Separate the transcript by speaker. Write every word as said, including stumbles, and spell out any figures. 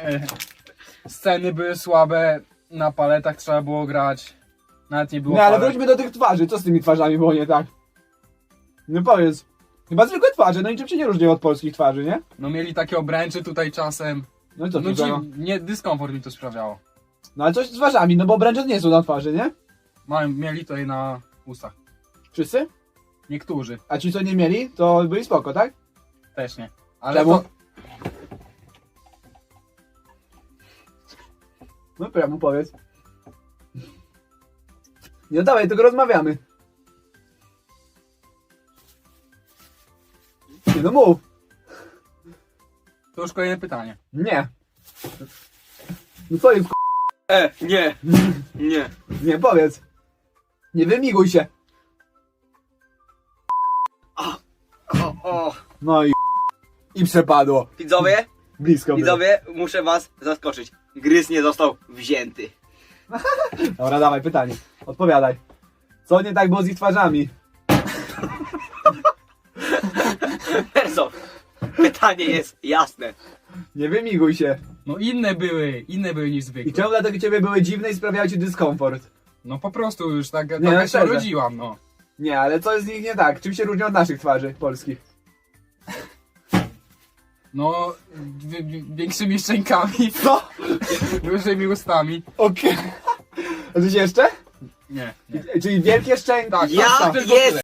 Speaker 1: E, Sceny były słabe, na paletach trzeba było grać. Nawet nie było
Speaker 2: Nie, ale
Speaker 1: palet.
Speaker 2: wróćmy do tych twarzy. Co z tymi twarzami było nie tak? No powiedz. Chyba zwykłe twarze, no niczym się nie różnią od polskich twarzy, nie?
Speaker 1: No mieli takie obręcze tutaj czasem.
Speaker 2: No i co
Speaker 1: No
Speaker 2: tu no,
Speaker 1: ci, nie, dyskomfort mi to sprawiało.
Speaker 2: no ale coś z twarzami, no bo obręcze nie są na twarzy, nie?
Speaker 1: Mają, mieli tutaj na ustach.
Speaker 2: Wszyscy?
Speaker 1: Niektórzy
Speaker 2: A ci co nie mieli, to byli spoko, tak?
Speaker 1: też nie. Ale
Speaker 2: Czemu?
Speaker 1: to,
Speaker 2: No prawo powiedz. No dawaj, tylko rozmawiamy. Nie no mów.
Speaker 1: to już kolejne pytanie.
Speaker 2: Nie. No co jest
Speaker 3: E, nie, nie.
Speaker 2: Nie, powiedz. Nie wymiguj się.
Speaker 3: O, o.
Speaker 2: No i i przepadło.
Speaker 3: Widzowie,
Speaker 2: Blisko było.
Speaker 3: widzowie, muszę was zaskoczyć. Gryz nie został wzięty.
Speaker 2: Dobra, dawaj, pytanie. Odpowiadaj. Co nie tak było z ich twarzami?
Speaker 3: Perso, pytanie jest jasne.
Speaker 2: Nie wymiguj się.
Speaker 1: No inne były, inne były niż
Speaker 2: I
Speaker 1: zwykle.
Speaker 2: czemu dlatego ciebie były dziwne i sprawiały ci dyskomfort?
Speaker 1: No po prostu już tak,
Speaker 2: Nie,
Speaker 1: taka
Speaker 2: no
Speaker 1: się
Speaker 2: szczerze.
Speaker 1: urodziłam, no.
Speaker 2: Nie, ale co jest z nich nie tak? Czym się różnią od naszych twarzy polskich?
Speaker 1: No, wi- wi- większymi szczękami,
Speaker 2: Co?
Speaker 1: dużymi ustami.
Speaker 2: Okej. A coś jeszcze?
Speaker 1: Nie, nie.
Speaker 2: Czyli wielkie szczęki.
Speaker 1: Tak,
Speaker 3: Ja
Speaker 1: tak, tylko
Speaker 3: jest
Speaker 1: tyle.